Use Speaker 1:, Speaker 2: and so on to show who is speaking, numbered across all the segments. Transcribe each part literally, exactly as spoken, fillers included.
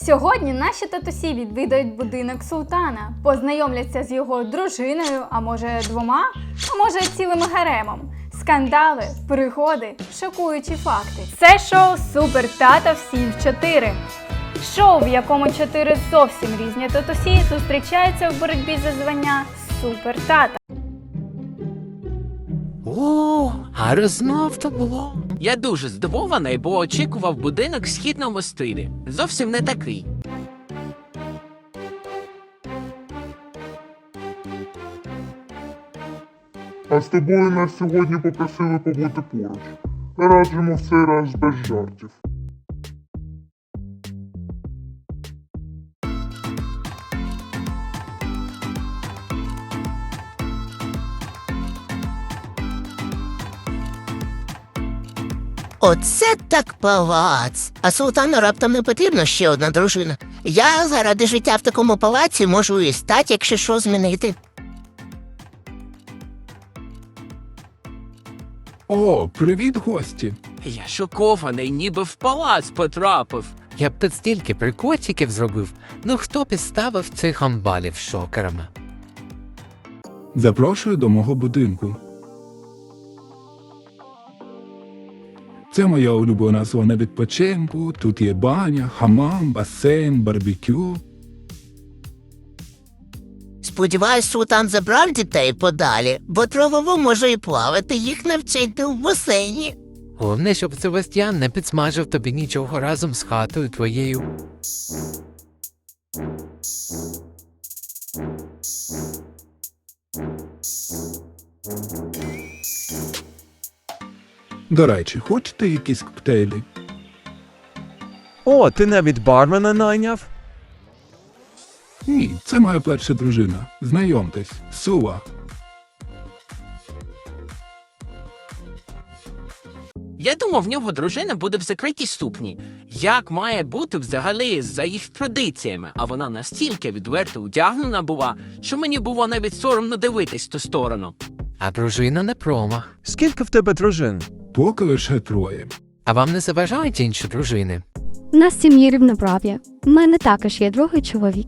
Speaker 1: Сьогодні наші татусі відвідають будинок султана, познайомляться з його дружиною, а може двома, а може цілим гаремом. Скандали, пригоди, шокуючі факти. Це шоу «Супер тато всі в чотири». Шоу, в якому чотири зовсім різні татусі зустрічаються в боротьбі за звання «Супер тата».
Speaker 2: О, а розмов то було. Я дуже здивований, бо очікував будинок в східному стилі. Зовсім не такий.
Speaker 3: А з тобою нас сьогодні попросили побути поруч. Раджимо в цей раз без жартів.
Speaker 4: Оце так палац. А султану раптом не потрібна ще одна дружина. Я заради життя в такому палаці можу і стать, якщо що, змінити.
Speaker 5: О, привіт, гості!
Speaker 2: Я шокований, ніби в палац потрапив.
Speaker 6: Я б тут стільки прикольчиків зробив. Ну хто підставив цих амбалів шокерами?
Speaker 5: Запрошую до мого будинку. Це моя улюблена зона відпочинку. Тут є баня, хамам, басейн, барбекю.
Speaker 4: Сподіваюсь, султан забрав дітей подалі, бо травово може і плавати, їх навчити в басейні.
Speaker 6: Головне, щоб Себастьян не підсмажив тобі нічого разом з хатою твоєю.
Speaker 5: До речі, хочете якісь коктейлі?
Speaker 7: О, ти навіть бармена найняв?
Speaker 5: Ні, це моя перша дружина. Знайомтесь, Сула.
Speaker 2: Я думав, в нього дружина буде в закритій ступні. Як має бути взагалі за їх традиціями? А вона настільки відверто одягнена була, що мені було навіть соромно дивитись в ту сторону.
Speaker 6: А дружина не промах.
Speaker 7: Скільки в тебе дружин?
Speaker 5: Поки лише троє.
Speaker 6: А вам не заважають інші дружини?
Speaker 8: У нас в сім'ї рівноправ'я. У мене також є другий чоловік.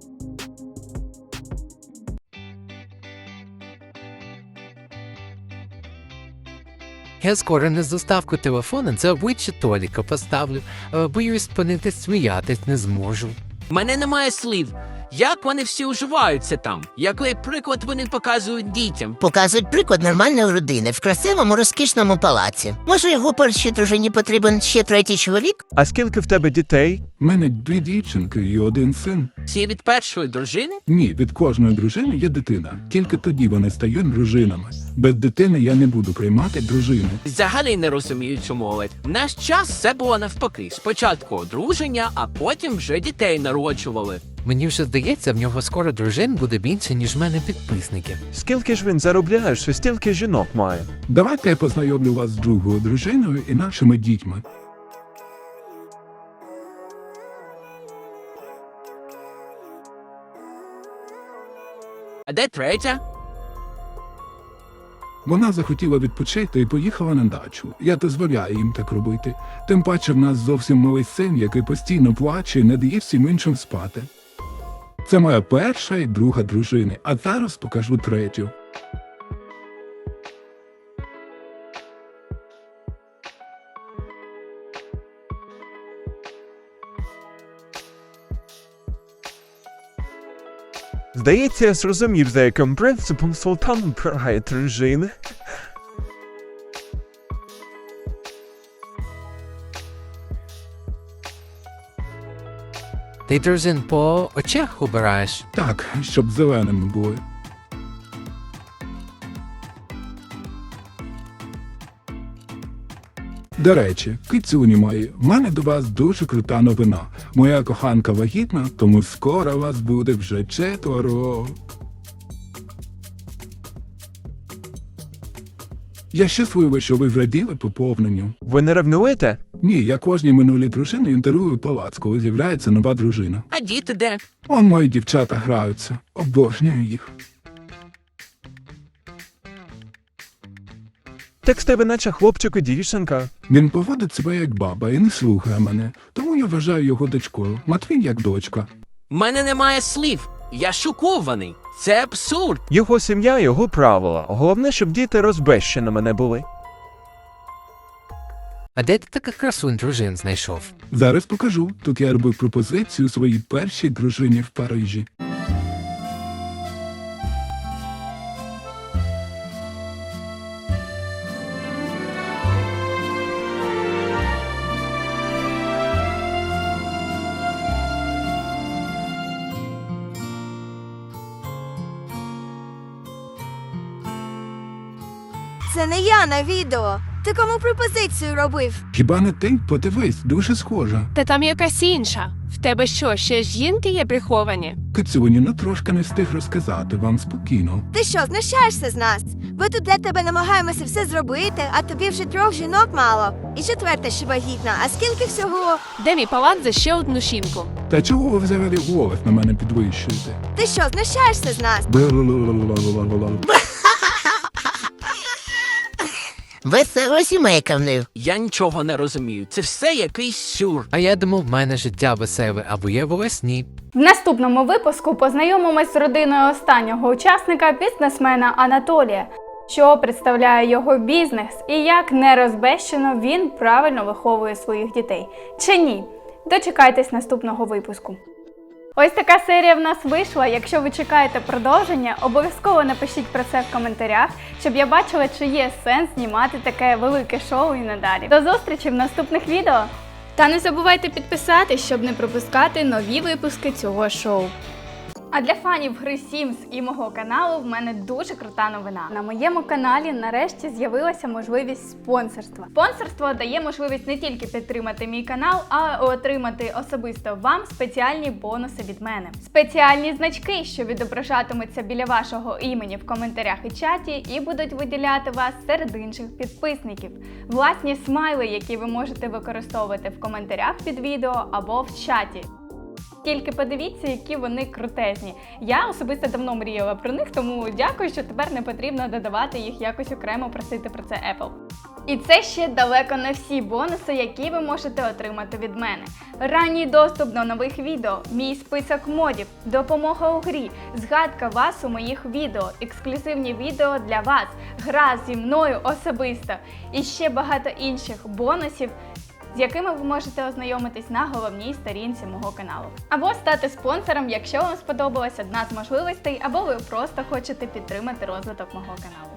Speaker 6: Я скоро на заставку телефона це обличчя Толіка поставлю. Е, Боюсь, спинити сміятись не зможу.
Speaker 2: В мене немає слів. Як вони всі уживаються там? Який приклад вони показують дітям?
Speaker 4: Показують приклад нормальної родини в красивому розкішному палаці. Може, його першій дружині потрібен ще третій чоловік?
Speaker 7: А скільки в тебе дітей?
Speaker 5: У мене дві дівчинки і один син.
Speaker 2: Всі від першої дружини?
Speaker 5: Ні, від кожної дружини є дитина. Тільки тоді вони стають дружинами. Без дитини я не буду приймати дружини.
Speaker 2: Взагалі не розумію цю молодь. В наш час все було навпаки. Спочатку одруження, а потім вже дітей народжували.
Speaker 6: Мені вже здається, в нього скоро дружин буде більше, ніж в мене підписників.
Speaker 7: Скільки ж він заробляє, що стільки жінок має?
Speaker 5: Давайте я познайомлю вас з другою дружиною і нашими дітьми.
Speaker 2: А де третя?
Speaker 5: Вона захотіла відпочити і поїхала на дачу. Я дозволяю їм так робити. Тим паче в нас зовсім малий син, який постійно плаче і не дає всім іншим спати. Це моя перша і друга дружини, а зараз покажу третю.
Speaker 7: Здається, я зрозумів, за яким принципом султан обирає дружини.
Speaker 6: Ти дружин по очах обираєш?
Speaker 5: Так, щоб зеленими були. До речі, кицюні мої, в мене до вас дуже крута новина. Моя коханка вагітна, тому скоро вас буде вже четверо. Я щасливий, що ви зраділи поповненню.
Speaker 7: Ви не ревнуєте?
Speaker 5: Ні, я кожній минулій дружині інтерв'юю палац, коли з'являється нова дружина.
Speaker 2: А діти де?
Speaker 5: Он мої дівчата граються. Обожнюю їх.
Speaker 7: Так з тебе наче хлопчик і дівчинка.
Speaker 5: Він поводить себе як баба і не слухає мене, тому я я вважаю його дочкою. Матвій як дочка.
Speaker 2: В мене немає слів. Я шокований. Це абсурд.
Speaker 7: Його сім'я, його правила. Головне, щоб діти розбещеними не були.
Speaker 6: А де ти така красунь дружин знайшов?
Speaker 5: Зараз покажу. Тут я робив пропозицію своїй першій дружині в Парижі.
Speaker 9: Це не я на відео. Ти кому пропозицію робив?
Speaker 5: Хіба не ти? Подивись, дуже схожа.
Speaker 10: Та там якась інша. В тебе що, ще жінки є приховані?
Speaker 5: Кицюні, ну трошки не встиг розказати вам спокійно.
Speaker 9: Ти що, знущаєшся з нас? Ми тут для тебе намагаємося все зробити, а тобі вже трьох жінок мало. І четверта ще вагітна. А скільки всього?
Speaker 10: Де мій палат за ще одну жінку?
Speaker 5: Та чого ви взагалі голос на мене підвищуєте?
Speaker 9: Ти що, знущаєшся з нас?
Speaker 5: Бла-ла-ла-ла-ла-ла-ла.
Speaker 4: Весела сімейка в них.
Speaker 2: Я нічого не розумію. Це все якийсь сюр.
Speaker 6: А я думав, в мене життя веселе, або є волосні.
Speaker 1: В наступному випуску познайомимось з родиною останнього учасника, бізнесмена Анатолія, що представляє його бізнес і як нерозбещено він правильно виховує своїх дітей. Чи ні? Дочекайтесь наступного випуску. Ось така серія в нас вийшла. Якщо ви чекаєте продовження, обов'язково напишіть про це в коментарях, щоб я бачила, чи є сенс знімати таке велике шоу і надалі. До зустрічі в наступних відео! Та не забувайте підписатись, щоб не пропускати нові випуски цього шоу. А для фанів гри Sims і мого каналу в мене дуже крута новина. На моєму каналі нарешті з'явилася можливість спонсорства. Спонсорство дає можливість не тільки підтримати мій канал, а й отримати особисто вам спеціальні бонуси від мене. Спеціальні значки, що відображатимуться біля вашого імені в коментарях і чаті, і будуть виділяти вас серед інших підписників. Власні смайли, які ви можете використовувати в коментарях під відео або в чаті. Тільки подивіться, які вони крутезні. Я особисто давно мріяла про них, тому дякую, що тепер не потрібно додавати їх якось окремо, просити про це Apple. І це ще далеко не всі бонуси, які ви можете отримати від мене. Ранній доступ до нових відео, мій список модів, допомога у грі, згадка вас у моїх відео, ексклюзивні відео для вас, гра зі мною особисто і ще багато інших бонусів, з якими ви можете ознайомитись на головній сторінці мого каналу. Або стати спонсором, якщо вам сподобалась одна з можливостей, або ви просто хочете підтримати розвиток мого каналу.